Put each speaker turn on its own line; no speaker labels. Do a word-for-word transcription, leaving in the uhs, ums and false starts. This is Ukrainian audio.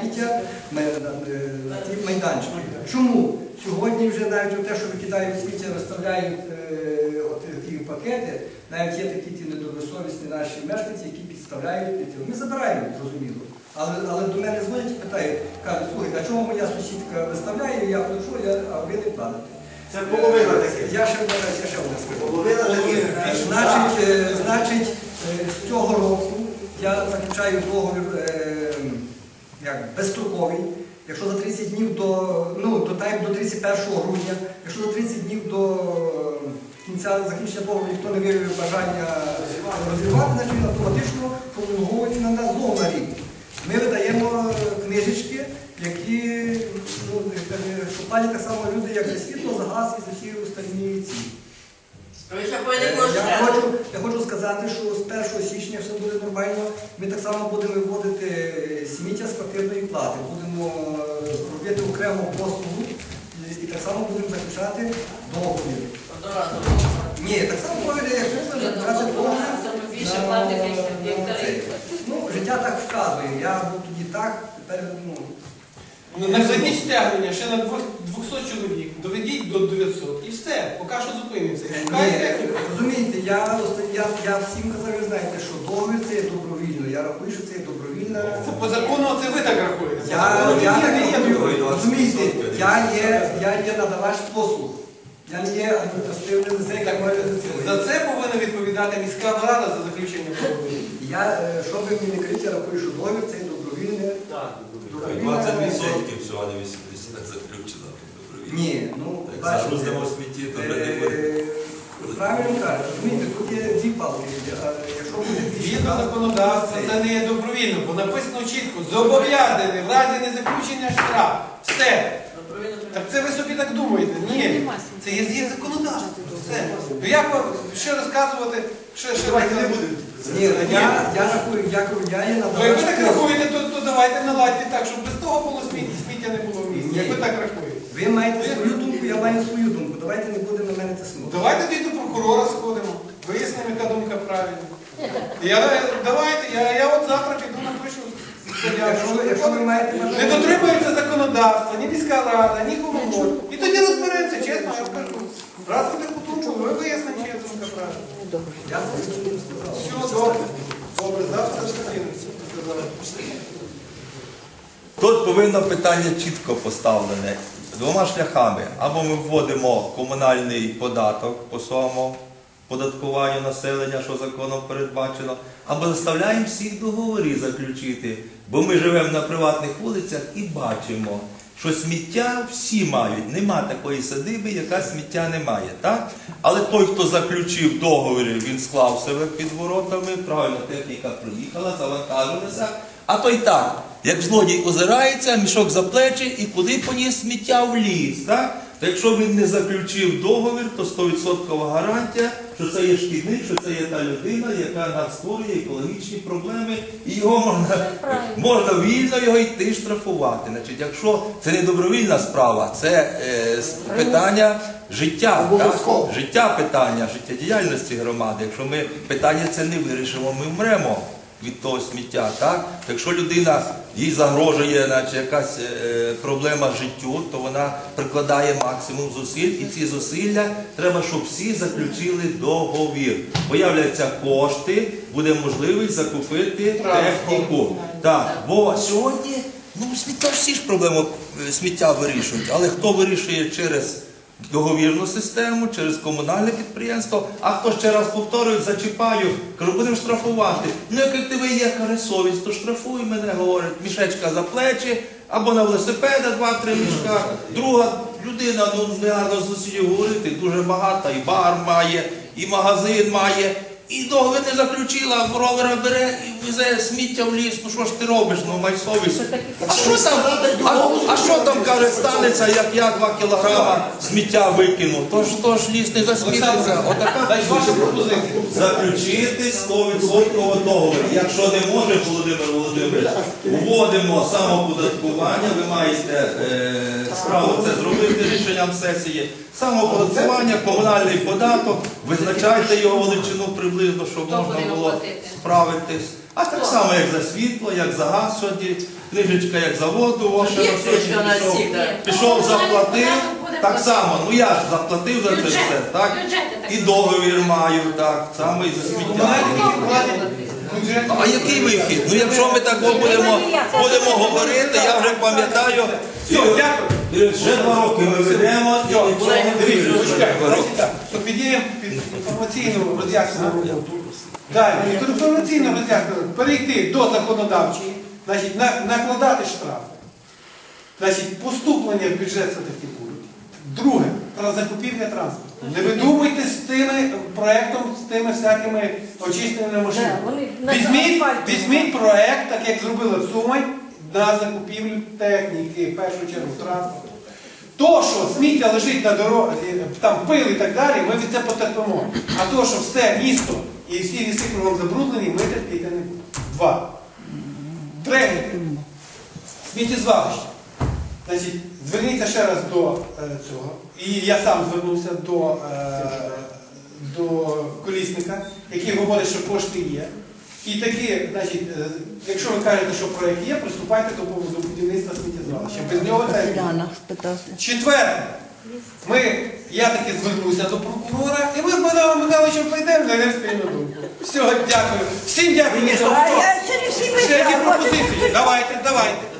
сміття на ті майданчики. Чому? Сьогодні вже навіть те, що викидають сміття, розставляють ті пакети, навіть є такі ті недобросовісні наші мешканці, які підставляють під. Ми забираємо, зрозуміло. Але, але до мене дзвонять і питають, кажуть, слухайте, а чому моя сусідка виставляє, я плачу, а ви не платите?
Це половина таке.
Я ще я ще одне скажу.
Половина таких.
Значить, значить, з цього року я заключаю договір як, безстроковий. Якщо за тридцять днів до, ну, до, тайм, до тридцять першого грудня, якщо за тридцять днів до кінця закінчення договору ніхто не виявив бажання розірвати, значить він автоматично пролонговується на нас знову на рік. Ми видаємо книжечки, які ну, що платять так само люди, як за світло, за газ і за всі остальні ці. Я хочу, я хочу сказати, що з першого січня все буде нормально. Ми так само будемо виводити сміття з квартирної плати, будемо робити окрему послугу і так само будемо заключати договір. Ні, так само договір, як будемо заключати договір. Ну, життя так вказує. Я був тоді так, тепер, ну...
Наведіть стягнення ще на двісті чоловік, доведіть до дев'ятсот і все, поки що зупиниться.
Ні, розумієте, я, я, я всім казав, ви знаєте, що договір це є добровільно. Я рахую, що це є добровільно.
Це по закону це ви так рахуєте.
Я, я так рахую, розумієте, я є, я є надавач послуг. Я не є адміністративним лице, яке може
За це повинна відповідати міська рада за заключення договору.
Я, що би мені не кричали, я рахую, що договір це є добровільне.
двадцять відсотків всього, а не вісімдесят заключено.
Ні, ну,
як
бачите,
загрузимо в смітті, то вже не буде.
правильно кажуть, розумієте, тут є дві палки. Якщо буде дві
Згідно законодавства, це не є добровільно, бо написано чітко, зобов'язаний в разі незаключення штраф. Все. Так це ви собі так думаєте? Ні. Це є, є законодавство. Все. Ну як ще розказувати, ще, ще розказувати?
Ні, я, я рахую, я, я є
Ну, як ви так
надавач.
рахуєте, то, то давайте наладьте так, щоб без того було сміття, сміття не було в місті.
Ні.
Як ви так рахуєте?
Ви маєте свою думку, я маю свою думку. Давайте не будемо на мене тиснути.
Давайте тоді до прокурора сходимо, вияснимо, яка думка правильна. Я, давайте, я, я от завтра піду напишу.
Якщо, якщо ви маєте
Не
бажання...
дотримується законодавства, ні міська рада, ні комунальна. І тоді розберемося, чесно, я скажу. Раз буде потужно, ви виясните, чия думка правильна.
Я свою сказав.
Все, добре. Добре, завтра зустрінемося.
Тут повинно питання чітко поставлене. Двома шляхами. Або ми вводимо комунальний податок по своєму податкуванню населення, що законом передбачено, або заставляємо всіх договори заключити. Бо ми живемо на приватних вулицях і бачимо, що сміття всі мають. Нема такої садиби, яка сміття не має. Так? Але той, хто заключив договір, він склав себе під воротами, правильно, техніка приїхала, завантажилася. А той так, як злодій озирається, мішок за плечі і куди поніс сміття в ліс. Так? То якщо він не заключив договір, то сто відсотків гарантія, що це є шкідник, що це є та людина, яка нам створює екологічні проблеми, і його можна, можна вільно його йти штрафувати. Значить, якщо це не добровільна справа, це е, питання життя, так? Життя питання, життєдіяльності громади. Якщо ми питання це не вирішимо, ми вмремо від того сміття. Так? Якщо людина, їй загрожує наче, якась е, проблема життю, то вона прикладає максимум зусиль, і ці зусилля треба, щоб всі заключили договір. Появляться кошти, буде можливість закупити техніку. Так, бо сьогодні, ну, сміття, всі ж проблеми сміття вирішують, але хто вирішує через договірну систему, через комунальне підприємство, а хто ще раз повторює, зачіпаю, кажу, будемо штрафувати. Ну, як тебе є совість, то штрафуй мене, говорить, мішечка за плечі, або на велосипеда два-три мішка. Друга людина, ну, не гарно з сусідів говорити, дуже багата, і бар має, і магазин має, і договір не заключила, ровера бере і везе сміття в ліс. Ну що ж ти робиш, ну май совість. А що там, а, а що там, каже, станеться, як я два кілограма сміття викину? Тож, тож ліс не засмітиться. Отака заключити сто відсотків договір. Якщо не може, Володимир Володимирович, вводимо самоподаткування, ви маєте е, справу це зробити рішенням сесії. Самоподаткування, комунальний податок, визначайте його величину приблизно, щоб можна було справитись. А так само, як за світло, як за газ сьогодні. книжечка як заводу, о, ще
Є
на
книжка на
пішов,
всіх, так.
пішов, заплатив, так само, ну я ж заплатив за це
Бюджет,
все, так?
бюджети так.
І договір маю, так, саме і за сміття.
Комунальники платять бюджет.
А який вихід? Ну якщо ми так будемо, будемо говорити, я вже пам'ятаю,
Все, дякую.
і вже два роки ми ведемо, і нічого не
Дивіться,
вирішуємо.
почекайте, значить так, що підіймо під інформаційну роз'яснену роботу. Далі, під інформаційну роз'яснену перейти до законодавчої, значить, на- накладати штрафи. Значить, поступлення в бюджет все-таки будуть. Друге, про закупівля транспорту. Не видумуйте з тими проектом, з тими всякими очищеними машинами.
Да, вони на
Візьміть,
асфальті.
візьміть проект, так як зробили в Сумань, на закупівлю техніки, в першу чергу транспорту. То, що сміття лежить на дорозі, там пил і так далі, ми від це потерпимо. А то, що все місто і всі ліси кругом забруднені, ми терпіти не будемо. Два. Третє. Сміттєзвалище. Значить, зверніться ще раз до е, цього. І я сам звернувся до, е, до колісника, який говорить, що кошти є. І такі, значить, е, якщо ви кажете, що проєкт є, приступайте до, до будівництва сміттєзвалища. Без нього це не буде. Четверте. Ми, я таки звернуся до прокурора, і ми з Богданом Михайловичем прийдемо на спільну думку. Все, дякую. Всім дякую.
А я через всі
Ще які
місця.
пропозиції? Давайте, давайте.